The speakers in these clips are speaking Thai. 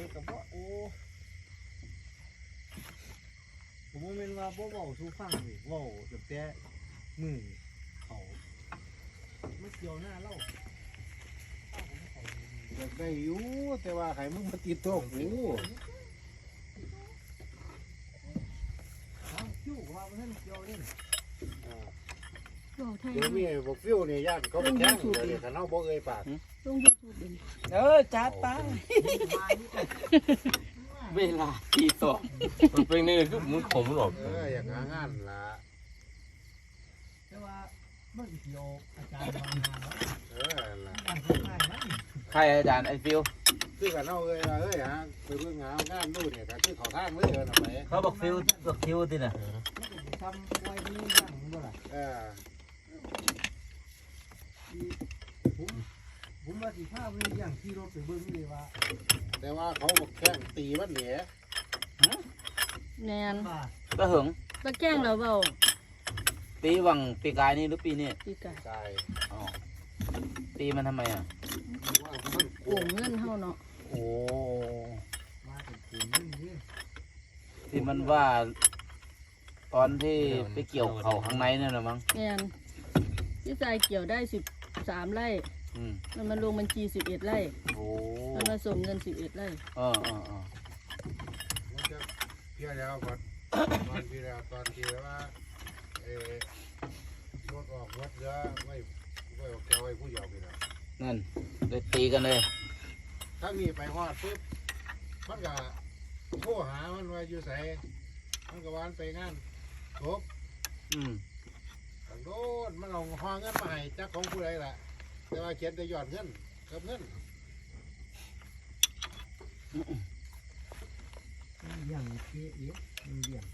กับว่าโอ้ผมว่าเป็นว่าบ่เว้าสู่ฟังนี่เว้าตั้งแต่มือเขาไม่เกี่ยวหน้าเล่าอยากได้อยู่แต่ว่าใครมึงมาติดโต๊ะกูเอาคิ้วว่ามันเกี่ยวนี่บอกไทยเดี๋ยวมีบอกฟิวนี่ญาติเขาไปแข่งเดี๋ยวนี้กันเอาบ่เอ่ยปากลงยูทูบเป็นจัดไปเวลาตีสองมันเป็นนี่คือมึงขมหรอกอยากหางานล่ะแต่ว่ามันเกี่ยวอาจารย์บางงานแล้วล่ะการทำงานนั้นใครอาจารย์ไอฟิวคือกันเอาเอ่ยฮะไปเบิ่งหางานดูเนี่ยก็คือเขาทางเลยนะไปเขาบอกฟิวบอกคิวติน่ะทำไว้นี่ยังบ่ล่ะผมว่าสิพาไปอย่างที่รถไปเบิ่งเลยว่าแต่ว่าเขาบอกแข่งตีมันเนี่ยแนนว่าก็หึงตะแกล้งเราเบาปีหวังปีกายนี่หรือปีนี้ปีกาตายอ๋อตีมันทำไมอ่ะว่ามันโกงเงินเฮาเนาะโอ้มาเป็นกลุ่มนึงนี่ที่มันว่า ตอนที่ไปเกี่ยวเขาข้างในนั่นแหละมั้งแนนพี่ชายเกี่ยวได้13 ไร่อืมมันลงบัญชี11 ไร่โอ้มันมาส่งเงิน11 ไร่มันจะเพี้ยแล้วก่อนตอนที่แล้วว่ารถออกรถเยอะไม่แกไว้ผู้เดียวไปแล้วนั่นเลยตีกันเลยถ้ามีไปฮอดปุ๊บมันก็โทรหามันว่าอยู่ไสมันก็วานไปงานจบอืมตั้งโดนมันเอาห้องเงินมาให้จักของผู้ใดล่ะแต่ว่าเขียนแต่ยอดเงินกับเงินอย่างเกี้ยมันเดี่ยง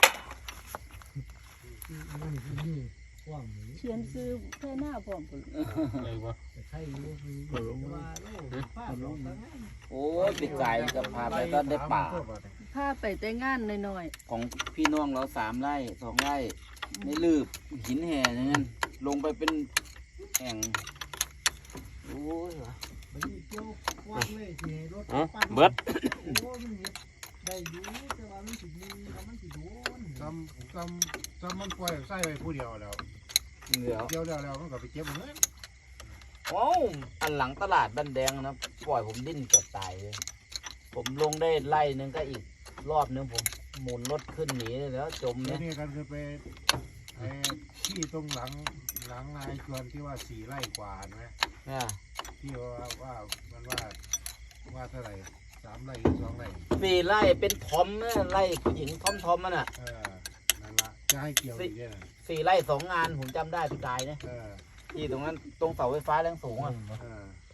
มันคือว่างนี้เชียนซื้อแค่หน้าพร้อมพุ่นอะไรวะแต่ใครรู้คือว่าโลกฟ้าลงทั้งนั้นโอ้ปีกายนี่ก็พาไปก็ได้ป่าพาไปแต่งานน้อยของพี่น้องเรา3 ไร่ 2 ไร่ในลืบหินแห่อย่างนั้นลงไปเป็นแอ่งโอ้ยมันมีเกี่ยวว่างเลยที่รถเบิดโอ้มันได้อยู่แต่ว่ามันสิมีแล้วมันสิโดนจำมันปล่อยใส่ไว้ผู้เดียวแล้วเดี๋ยวเดียวแล้วมันก็ไปเก็บเงินโอ้อันหลังตลาดบ้านแดงนะปล่อยผมดิ้นเกือบตายเลยผมลงได้ไล่นึงก็อีกรอบนึงผมหมุนรถขึ้นหนีเลยแล้วจมแล้วเนี่ยนี่กันคือไปที่ตรงหลังนายชวนที่ว่า4 ไร่กว่าไหมเนี่ยที่ว่ามันว่าเท่าไหร่3 ไร่หรือ2 ไร่ 4 ไร่เป็นทอมนะไร่ผู้หญิงทอมมันอ่ะนั่นละจะให้เกี่ยวอีกเนี่ยนะ 4 ไร่ 2 งานผมจำได้พี่กายเนี่ยเออที่ตรงนั้นตรงเสาไฟฟ้าแรงสูงอ่ะเออ